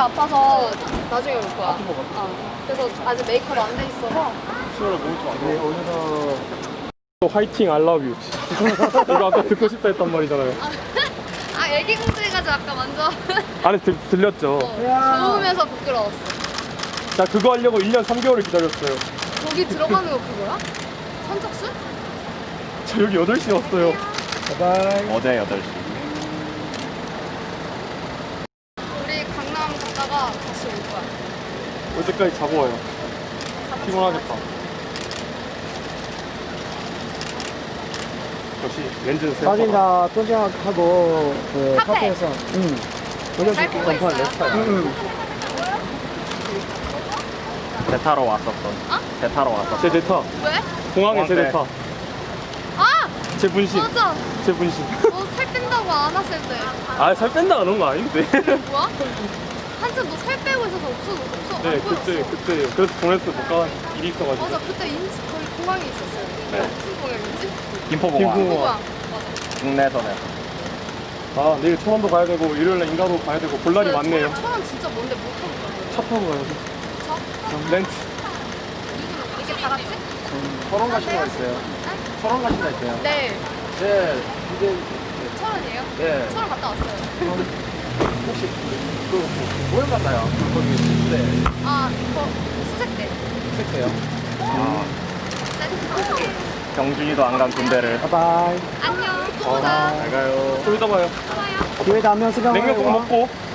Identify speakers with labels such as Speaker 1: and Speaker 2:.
Speaker 1: 아파서 나중에 올 거야.
Speaker 2: 아픈 거 같아.
Speaker 1: 그래서 아직 메이크업 안 돼 있어서.
Speaker 2: 수요일에 몸이 좀안
Speaker 3: 네,
Speaker 2: 좋아.
Speaker 3: 오늘은 화이팅 I love you. 이거 아까 듣고 싶다 했단 말이잖아요.
Speaker 1: 아 애기 공주해가지고 아까 먼저
Speaker 3: 안에 들렸죠?
Speaker 1: 좋으면서 부끄러웠어.
Speaker 3: 나 그거 하려고 1년 3개월을 기다렸어요.
Speaker 1: 거기 들어가는 거 그거야? 선착순?
Speaker 3: 저 여기 8시에 왔어요.
Speaker 2: 바이바이.
Speaker 4: 어제 8시.
Speaker 1: 우리 강남 갔다가 다시 올 거야.
Speaker 3: 올 때까지 자고 와요. 피곤하겠다. 역시 렌즈는 세
Speaker 2: 사진 다 도착하고 그
Speaker 1: 카페.
Speaker 2: 카페에서
Speaker 1: 잘
Speaker 2: 올려줄게.
Speaker 1: 보고 있어요.
Speaker 4: 배 타러 왔었던. 배 타러 왔었던.
Speaker 3: 제 대타.
Speaker 1: 왜?
Speaker 3: 공항에 제
Speaker 4: 공항 때.
Speaker 3: 대타.
Speaker 1: 아!
Speaker 3: 제 분신.
Speaker 1: 맞아.
Speaker 3: 제 분신.
Speaker 1: 너 살 뺀다고 안 왔을 때.
Speaker 3: 아, 살 뺀다 그런 거 아닌데.
Speaker 1: 뭐야? 한참 너 살 빼고 있어서 없어.
Speaker 3: 네,
Speaker 1: 안 보였어.
Speaker 3: 그때. 그래서 보냈어. 못 가. 일이 있어가지고.
Speaker 1: 맞아, 그때 인치 거의 공항에 있었어요.
Speaker 4: 네.
Speaker 1: 무슨 공항이었지?
Speaker 4: 김포공항.
Speaker 3: 김포.
Speaker 1: 공항.
Speaker 4: 국내선에서.
Speaker 3: 아, 내일 천안도 가야 되고, 일요일에 인가도 가야 되고, 볼 날이 많네요.
Speaker 1: 천안 진짜 뭔데 못 타고 가요?
Speaker 3: 차 타고 가야지.
Speaker 1: 차?
Speaker 3: 렌트.
Speaker 1: 이게 다 같이?
Speaker 2: 서론 가신 거 있어요? 서론 가신 거 있어요?
Speaker 1: 네.
Speaker 2: 네, 이제
Speaker 1: 천안이에요?
Speaker 2: 네.
Speaker 1: 천안 갔다 왔어요.
Speaker 2: 혹시 그 모임 갔나요? 거기 네,
Speaker 1: 아, 이거 수색 때.
Speaker 2: 택배요.
Speaker 1: 네.
Speaker 4: 경준이도 안 간 군대를.
Speaker 2: 바이바이.
Speaker 1: 안녕. 또 보자.
Speaker 4: 잘 가요.
Speaker 3: 좀 이따 봐요.
Speaker 1: 또 봐요.
Speaker 2: 기회 되면 수강
Speaker 3: 냉면 꼭 먹고.